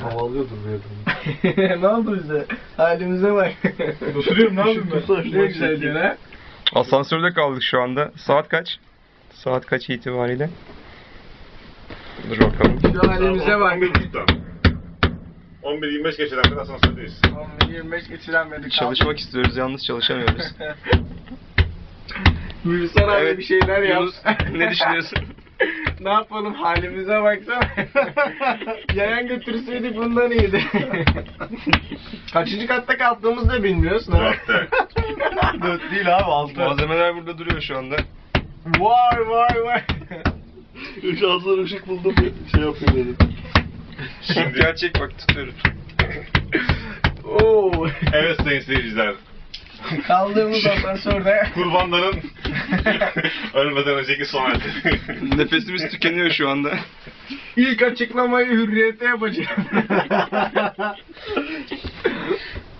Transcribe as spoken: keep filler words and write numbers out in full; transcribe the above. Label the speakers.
Speaker 1: Havalıyordur böyle.
Speaker 2: Ne oldu bize? Halimize bak.
Speaker 1: Oturuyorum, ne yapayım ben?
Speaker 2: Ne güzel diyor ha.
Speaker 3: Asansörde kaldık şu anda. Saat kaç? Saat kaç itibariyle? Dur bakalım.
Speaker 2: Şu halimize bak.
Speaker 4: on bir yirmi beş geçeden beri asansördeyiz.
Speaker 2: on bir yirmi beş geçiren beni kaldı.
Speaker 3: Çalışmak istiyoruz, yalnız çalışamıyoruz.
Speaker 2: Gülsan abi
Speaker 3: Evet,
Speaker 2: bir şeyler yap.
Speaker 3: Yunus, ne düşünüyorsun?
Speaker 2: Ne yapalım, halimize baksana. Yayan götürseydik bundan iyiydi. Kaçıncı katta kaldığımızı da bilmiyoruz.
Speaker 4: Dörtte.
Speaker 1: Dört değil abi, altı.
Speaker 3: Malzemeler burada duruyor şu anda.
Speaker 2: Vay vay vay.
Speaker 1: Şanslar ışık buldum, şey yapayım dedim.
Speaker 4: Şimdi
Speaker 3: Gerçek bak, tutuyoruz.
Speaker 2: Oo.
Speaker 4: evet sayın seyirciler.
Speaker 2: Kaldığımız asansörde.
Speaker 4: Kurbanların ölmeden önceki son hali.
Speaker 3: Nefesimiz tükeniyor şu anda.
Speaker 2: İlk açıklamayı Hürriyet'e yapacağım.